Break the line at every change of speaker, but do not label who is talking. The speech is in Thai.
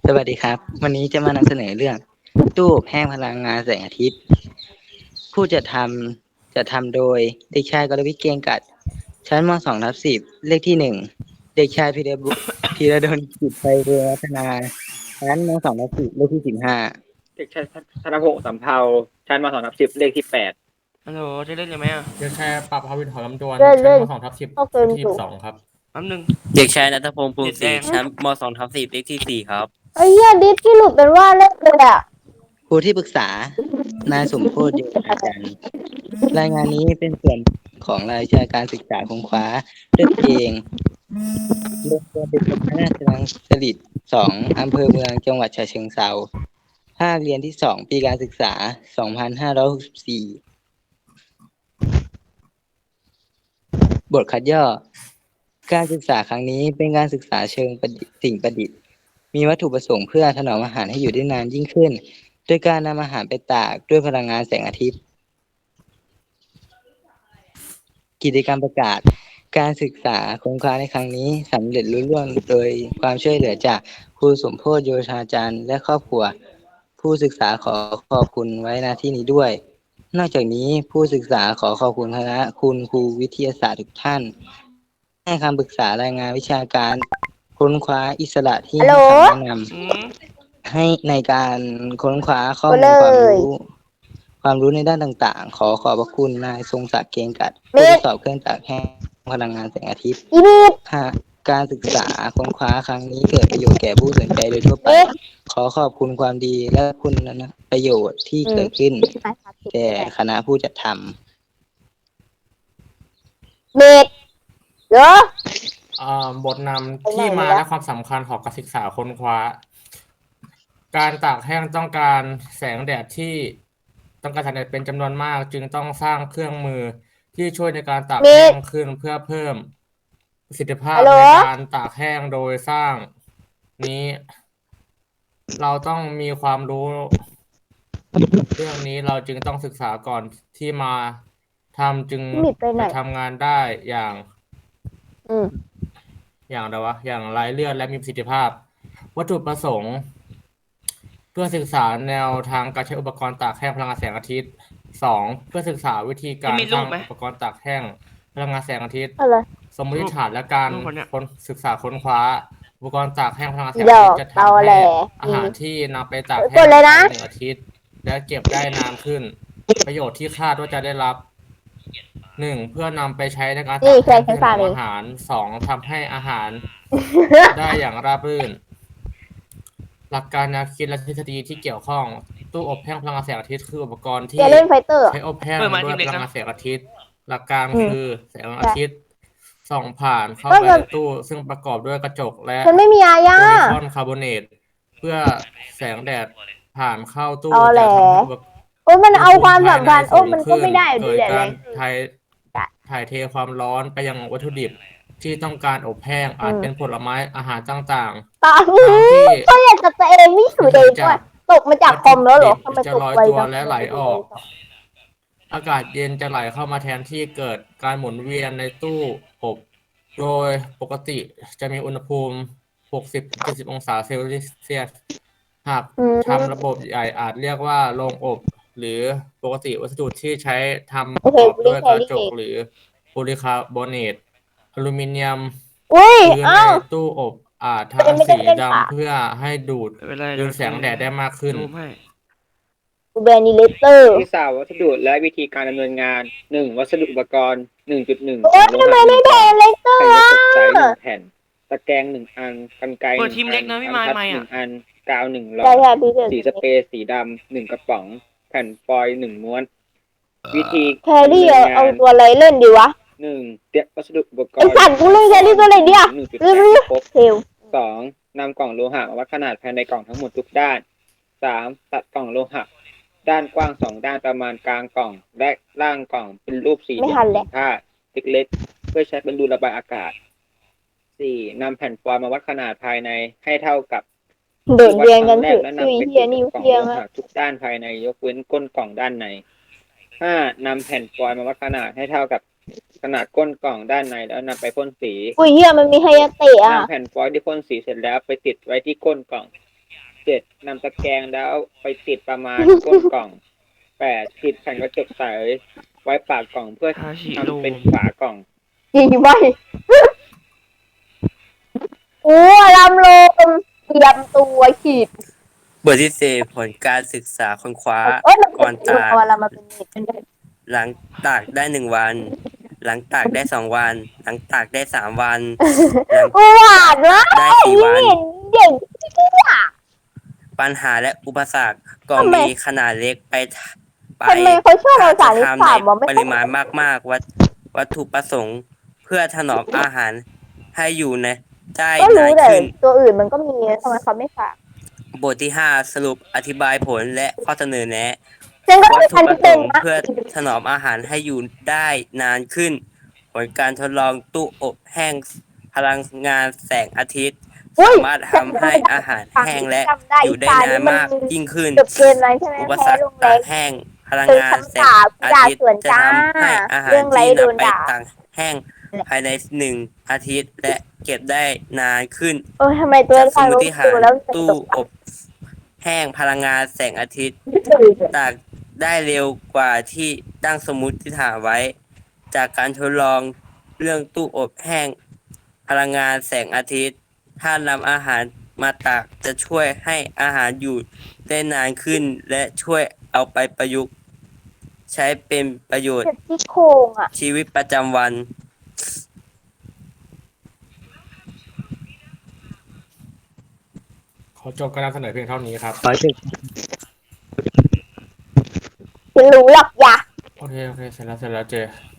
สวัสดีครับวันนี้จะมานำเสนอเรื่องตู้อบแห้งพลังงานแสงอาทิตย์ผู้จัดทำโดยเด็กชายกรวิทย์เกรียงกัดชั้นม2/10เลขที่1เด็กชายพีระดลกิจไพเรวัฒนาชั้นม2/10เลขที่15
เด็กชายธนพงศ์สำเภาชั้นม2/10เลขที่8
ฮัลโหลจะเล่นเลยไหมอ่ะ
เด็กชายปรับภาวินหอลำดวน
เล่น
ชั้น
เล่น
ม2/10
เข้าเก
เลขที่
มอยู่
12ครับ
แป๊บนึง
เด็กชายณัฐพงศ์ภู
เน็ตแด
มิศรี
ง
ชั้นม2/10เลขที่4ครับ
ไอ้เหี้ยดิสที่หลุดเป็นว่าเล่นเลยอ่ะ
ครูที่ปรึกษานายสมโพธิ์โยธาจันทร์รายงานนี้เป็นส่วนของรายวิชาการศึกษาของคว้าด้วยตัวเองโรงเรียนเด็กพระราชรังสฤษฎ์2อำเภอเมืองจังหวัดฉะเชิงเทราภาคเรียนที่2ปีการศึกษา2564บทคัดย่อการศึกษาครั้งนี้เป็นการศึกษาเชิงสิ่งประดิษฐ์มีวัตถุประสงค์เพื่อถนอมอาหารให้อยู่ได้นานยิ่งขึ้นโดยการนำอาหารไปตากด้วยพลังงานแสงอาทิตย์กิจกรรมประกาศการศึกษาโครงการในครั้งนี้สำเร็จรุ่ร่วงโดยความช่วยเหลือจากครูสมโพธิ์โยธาจันทร์และครอบครัวผู้ศึกษาขอขอบคุณไว้ณที่นี้ด้วยนอกจากนี้ผู้ศึกษาขอขอบคุณคณะคุณครูวิทยาศาสตร์ทุกท่านให้คำปรึกษารายงานวิชาการค้นคว้าอิสระที่ให้คำแนะนำให้ในการค้นคว้าข้อมูลความรู้ในด้านต่างๆขอขอบพระคุณนายทรงศักดิ์เกรียงกัดผู้ทดสอบเครื่องจักรแห้งพลังงานแสงอาทิตย์หากการศึกษาค้นคว้าครั้งนี้เกิดประโยชน์แก่ผู้สนใจโดยทั่วไปขอขอบคุณความดีและคุณประโยชน์ที่เกิดขึ้นแก่คณะผู้จัดทำ
เด็กเหร
บทนำที่มาและความสำคัญของการศึกษาค้นคว้าการตากแห้งต้องการแสงแดดเป็นจำนวนมากจึงต้องสร้างเครื่องมือที่ช่วยในการตากแห้งขึ้นเพื่อเพิ่มประสิทธิภาพในการตากแห้งโดยสร้างนี้เราต้องมีความรู้เรื่องนี้เราจึงต้องศึกษาก่อนที่มาทำจึงจะทำงานได้อย่างไร้เลือดและมีประสิทธิภาพวัตถุประสงค์เพื่อศึกษาแนวทางการใช้อุปกรณ์ตากแห้งพลังงานแสงอาทิตย์2เพื่อศึกษาวิธีการสร้างอุปกรณ์ตากแห้งพลังงานแสงอาทิตย์สมมติฐานและการศึกษาค้นคว้าอุปกรณ์ตากแห้งพลังงานแสงอาทิตย์จะทำให้อาหารที่นำไปตากแห้งใน1 อาทิตย์และเก็บได้นานขึ้นประโยชน์ที่คาดว่าจะได้รับ1เพื่อนำไปใช้ในการตากแห้งเพื่อทำอาหาร2ทำให้อาหารได้อย่างราบรื่นหลักการแนวคิดและทฤษฎีที่เกี่ยวข้องตู้อบแห้งพลังงานแสงอาทิตย์คืออุปกรณ์ที่ใช้อบแห้งด้วยพลังงานแสงอาทิตย์หลักการคือแสงอาทิตย์ส่องผ่านเข้าไปในตู้ซึ่งประกอบด้วยกระจกและโพลีคอนคาร์บอเนตเพื่อแสงแดดผ่านเข้าตู้จะทำให้
มันเอาความสำคัญมันก็ไม่ได้
เกิดการถ่ายเทความร้อนไปยังวัตถุดิบที่ต้องการอบแห้งอาจเป็นผลไม้อาหารต่าง
ๆตอนนี้ก็อยากจะตัวเองไม่อยู่เลยด้วยตกมาจากคอมแล้วเหรอทำไม
จะ
ตก
ลอย
ไป
ตัวและไหลออกอากาศเย็นจะไหลเข้ามาแทนที่เกิดการหมุนเวียนในตู้อบโดยปกติจะมีอุณหภูมิ 60-70 องศาเซลเซียสหากทำระบบใหญ่อาจเรียกว่าโรงอบหรือปกติวัสดุที่ใช้ทำประกอบด้วยกระจกหรือโพลีคาร์บอเนตอลูมิเนียมหรือในตู้อบอาจทำสีดำเพื่อให้ดูดแสงแดดได้มากขึ้น
แบนิเลเตอร์
ที่สาววัสดุและวิธีการดำเนินงาน1วัสดุอุปกรณ์ 1.1
โอ้ยทำไมไม่แบนเลเตอร์
แผ่นกระจกใส1แผ่นตะแกรง1อันกรรไกร1อันบรรทัด1อันกาว1หลอดสีสเปรย์สีดำ1กระป๋องแผ่นฟอยล์1ม้วนวิธี
แครี่เอาตัวอะไรเล่นดีวะ
1เตรียมวัสดุอุปกรณ์
ไอ้สัตว์กูเล่นแครี่ตัวอะไรดีอ่ะ
ครบ2นำกล่องโลหะมาวัดขนาดภายในกล่องทั้งหมดทุกด้าน3ตัดกล่องโลหะด้านกว้าง2ด้านประมาณกลางกล่องและล่างกล่องเป็นรูปสี่เหลี่ยมผ้าเล็กๆเพื่อใช้เป็นรูระบายอากาศ4นำแผ่นฟอยล์มาวัดขนาดภายในให้เท่ากับ
เดินเรียงกัน
ถือและนำไปติดกับกล่องโลหะทุกด้านภายในยกเว้นก้นกล่องด้านใน5นำแผ่นฟอยล์มาวัดขนาดให้เท่ากับขนาดก้นกล่องด้านในแล้วนำไปพ่นสี
อุ้ยเฮียมันมีไฮยาเตะ
นำแผ่นฟอยล์ที่พ่นสีเสร็จแล้วไปติดไว้ที่ก้นกล่อง 7. นำตะแกรงแล้วไปติดประมาณก้นกล่อง 8. ติดแผ่นกระจกใสไว้ปากกล่องเพื่อ
ฮาชิ
ทำ
โร่
เป็นฝากล่อง
จริงไหมโอ้ลำโลมเตรียมตัวขีด
บทที่สี่ผลการศึกษาค้นคว้า
มัน
ก่อน
เป็น
ตาก
เอาอะไรมาเป็นเน็ตเป็น
หลังตากได้1 วัน หลังตากได้2 วัน หลังตากได้3 วัน หลัง
หวานมาก
ได้4 วัน
เด็กที่อยาก
ปัญหาและอุปสรรคกล่อง
ทำไม
มีขนาดเล็กไป
ทำไมเขาชอบเอาสาร
ถ้
ที่
จะทำ
ถาม
ใน
ว่าไม่
ป
ต้อ
ริ
ง
มาณมากๆวัตถุประสงค์ เพื่อถนอมอาหารให้อยู่ในได้
ก็
นา
รู้
น
แต่
ขึ้น
ตัวอื่นมันก็มีทำไมเขาไม่ฝาก
บทที่ 5 สรุปอธิบายผลและข้อเสนอแนะ
ซึ่งก็
วัต
คือ
ถุ
อัน
ประ
ที่
ส
เป็น
งค์
นะ
เพื่อถนอมอาหารให้อยู่ได้นานขึ้น ผลการทดลองตู้อบแห้งพลังงานแสงอาทิตย์
อุ้ย
สามารถทำให้อาหารแห้งและอยู่ได้นานมากยิ่งขึ้น
เกือบเกินไรใช่ไหม
อุป
แพ้
สรรค
ลงแร
ตาง กแห้งพลัง
เคย
งาน
คำ
แส
ถาง ม
อา
ด่า
ทิตย์
ส่วน
จะ
จ้า
ทำให้อาหาร
เรื่องไร
ที่
โดน
นำไป
ด่า
ตากแห้งภายใน1 อาทิตย์และเก็บได้นานขึ้น
เออทำไมตัว
จากส
ฟั
ม
ง
ม
รู้
ติฐา
ดู
น
แล้วจะ
ตู้
ตก
อบแห้งพลังงานแสงอาทิตย์ ตากได้เร็วกว่าที่ตั้งสมมุติฐานไว้ จากการทดลองเรื่องตู้อบแห้งพลังงานแสงอาทิตย์ ถ้านำอาหารมาตากจะช่วยให้อาหารอยู่ได้นานขึ้น และช่วยเอาไปประยุกต์ ใช้เป็นประโยชน์
เจ็บที่โครงอ่ะ
ชีวิตประจำวัน
ขอจบการนำเสนอเพียงเท่านี้ครับ
ขอจบ
ฉันรู้หรอกอย่า
โอเค เสร็จแล้วเจ